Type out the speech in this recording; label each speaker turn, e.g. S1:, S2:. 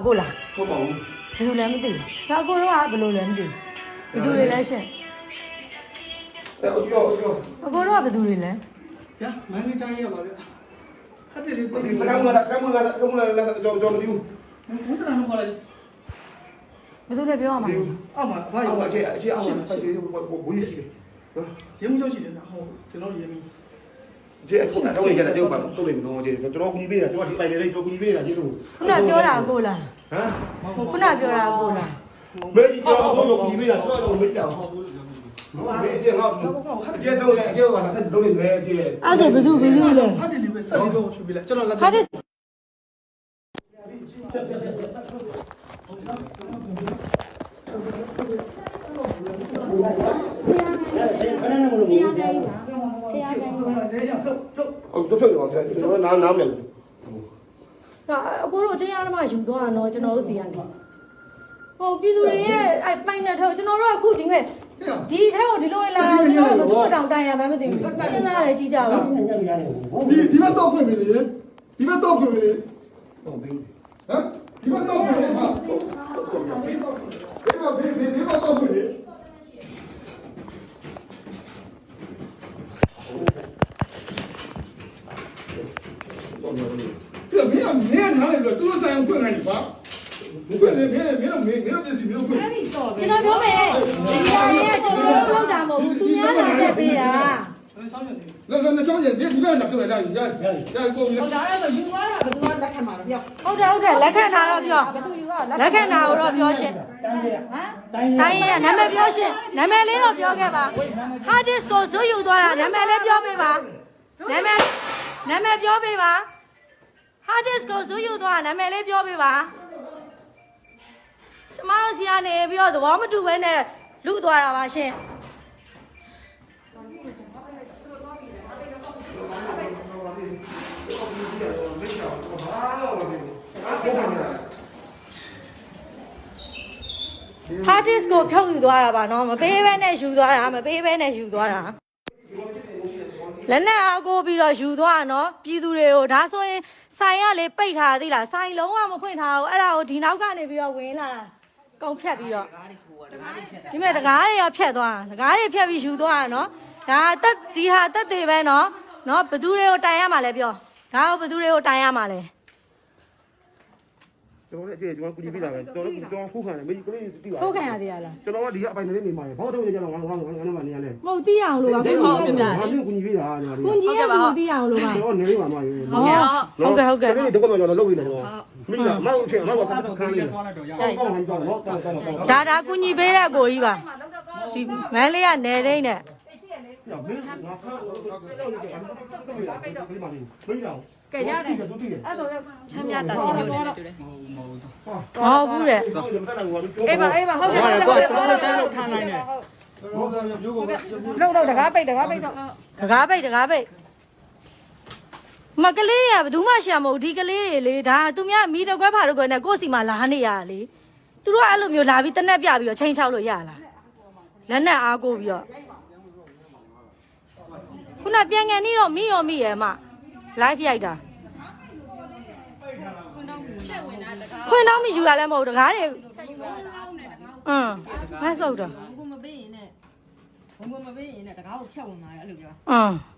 S1: ကိုလား
S2: ဟုတ်ပါဘူး
S1: ဘယ်လိုလဲမသိဘူးဒါအကိုတော့ကဘယ်လိုလဲမသိဘူးဘယ်သူတွေလဲရှင်
S2: အဲ့ကြော
S1: အကိုတော့ကဘယ်သူတွေလဲ
S3: ဗျာမန်နေတိုင်းရပါဗျာခက်တယ်လေ
S2: ဒီစကားမလားကြောမသိဘူး
S3: ဘုဒ္ဓနာတော့ခေါ်လိုက်
S1: ဘယ်သူတွေပြောရမှာလဲ
S3: အောက်မှာဘာ
S2: အော
S3: ရော
S2: က်အခြေအောက်ဖိုက်စီဘိုးရရှိတယ်နော်
S3: ရေမှုရောက်ရှိတယ်ဟိုကျွန်တော်ရေမှု
S2: ခြေအခုတော့နေကြတယ်တော့ပါတော့နေမလို့ခြေကျွန်တော်ကူညီပေးတာကျွန်တော်ဒီပိုင်လေးကျွန်တော်ကူညီပေးတာခြေလို့
S1: ခုနပြောတာကိုလား
S2: ဟမ်
S1: ခုနပြောတာကိုလား
S2: မဲကြီးကျွန်တော်ကူညီပေးတာကျွန်တော်မေးကြအောင်ဟုတ်မဲခြေငါခြေတော့ခြေကလည်းတော့နေမဲခြေ
S1: အဲ့ဆိုဘယ်သူလဲ
S3: ဖတ်တယ်လေပဲစက်ပြီးတော့ဖြူပြလိုက်ကျွန်တော်လက်
S1: ဟာဒီ
S2: ဟုတ်တော့ပြောတယ်ကျွန်တော်နားမလဲ
S1: အကိုတို့တရားဓမ္မယူသွားတာနော်ကျွန်တော်တို့စီကနေဟိုပြည်သူတွေရဲ့အဲ့ပိုင်တဲ့ထောက်ကျွန်တော်တို့အခုဒီမဲ့ဒီထဲကိုဒီလိုလာတာကျွန်တော်တို့ဘယ်သူတောင်တိုင်ရမှမသိဘူးစဉ်းစားရတယ်ကြည့်ကြပါ
S3: ဒီဘက်တော့ဖွင့်ပြီလေဒီဘက်တော့ဖွင့်ပြီလေ
S2: ဟုတ်ပြီ
S3: ဟမ်ဒီဘက်တော့ဖွင့်ပြီဟာဒီဘက်တော့ဖွင့်ပြီပြမင်းမင်းနားလေပြီးတော့သူတို့ဆိုင်အောင်ဖွင့်လိုက်ပြီကွာဖွင့်လေမင်းတို့ပြစီမင်းတို့ဖွင့်
S1: ကျွန်တော်ပြောမယ်ဒီလာရဲ့ကျွန်တော်တို့လောက်တာမဟုတ်ဘူးသူများလာတဲ့ပေးတာ
S3: 那张姐，你不要讲这个，让人家过去。
S4: ဟုတ်ဒါအဲ့ဆိုယူသွားတာဘယ်သူကလက်ခံမှာလဲပြော
S1: ဟုတ်တယ်လက်ခံတာတော့ပြောလက်ခံတာတော့ပြောရှင်
S4: ဟမ်
S1: တိုင်းရဲ့နာမည်ပြောရှင်နာမည်လေးတော့ပြောခဲ့ပါ hard disk ကိုဇွတ်ယူသွားတာနာမည်လေးပြောပေးပါနာမည်ပြောပေးပါ hard disk ကိုဇွတ်ယူသွားနာမည်လေးပြောပေးပါကျမတို့စီကနေပြီးတော့သဘောမတူဘဲနဲ့လူသွားတာပါရှင်ဟာဒစ်ကိုဖြုတ်ယူသွားတာပါနော်မပေးဘဲနဲ့ယူသွားတာမပေးဘဲနဲ့ယူသွားတာလက်နဲ့အားကိုပြီးတော့ယူသွားတာနော်ပြည်သူတွေကိုဒါဆိုရင်ဆိုင်ရလေပိတ်ထားသေးလားဆိုင်လုံးဝမဖွင့်ထားဘူးအဲ့ဒါကိုဒီနောက်ကနေပြီးတော့ဝင်လာတာကုန်ဖြတ်ပြီးတော့ဒီမဲ့တကားတွေကဖြတ်သွားတာတကားတွေဖြတ်ပြီးယူသွားတာနော်ဒါတက်ဒီဟာတက်သေးပဲနော်ဘသူတွေကိုတိုင်ရမှာလဲပြောဒါကိုဘသူတွေကိုတိုင်ရမှာလဲ
S2: ကျွန်တော်လည်းအခြေကျွန်တော်ကူညီပေးတာပဲကျွန်တော်ခုခံတယ်မေးကလေးတိပါ
S1: ထုတ်ခံရသေးရလား
S2: ကျွန်တော်ကဒီကအပိုင်လေးနေမှာဘာတော့ကျွန်တော်ငါမနေရလဲ
S1: မဟုတ်သိအောင်လို့ပါကိုကြီးပြ
S2: ငါတို့ကူညီပေးတာကျွန်တော်
S1: ကိုကြီးကကိုသိအောင်လို့ပါ
S2: ကျွန်တော်နေပါမှာရေ
S1: ဟုတ်ကဲ့
S2: ဒီတော့ကျွန်တော်လုပ်ပြီးတယ်ကျွန်တော်မိလားမောက်ချင်းမောက်ကခန်းလေးကောင်းတော့နော်ကောင်း
S1: ဒါကူညီပေးတဲ့ကိုကြီးပါဒီမန်းလေးကနေသိမ့်နဲ့
S2: မင်းငါခါမေးတော့
S1: ကဲရတယ်
S2: အဲ့တော့
S4: ချမ်းမြတာစီမျိုးနဲ့တူတယ်
S1: ဟုတ်ဘူးတဲ့
S4: အေးပါဟုတ်ကဲ့ဟုတ်ကဲ့တော့ထားနိုင်တယ်လုံးတကားပိတ်တော့
S1: တကားပိတ်မကလေးတွေကဘယ်သူမှရှာမဟုတ်ဒီကလေးတွေလေဒါသူများမီတကွက်ဖာတော့ကွယ်နဲ့ကိုယ့်စီမှာလာနေရတာလေသူတို့ကအဲ့လိုမျိုးလာပြီးတနက်ပြပြီးတော့ချိန်ချောက်လို့ရလားလက်နဲ့အားကိုပြီးတော့ခုနပြန်ငန်နေတော့မိရဲ့မ live ရိုက်တာခွင်းတော့မယူရလဲမဟုတ်တကားတွေမဆုပ်တော့
S4: ဘုံမပေးရင်နဲ့တကားကိုဖြတ်ဝင်လာတယ်အဲ့လိုပြော
S1: အင်း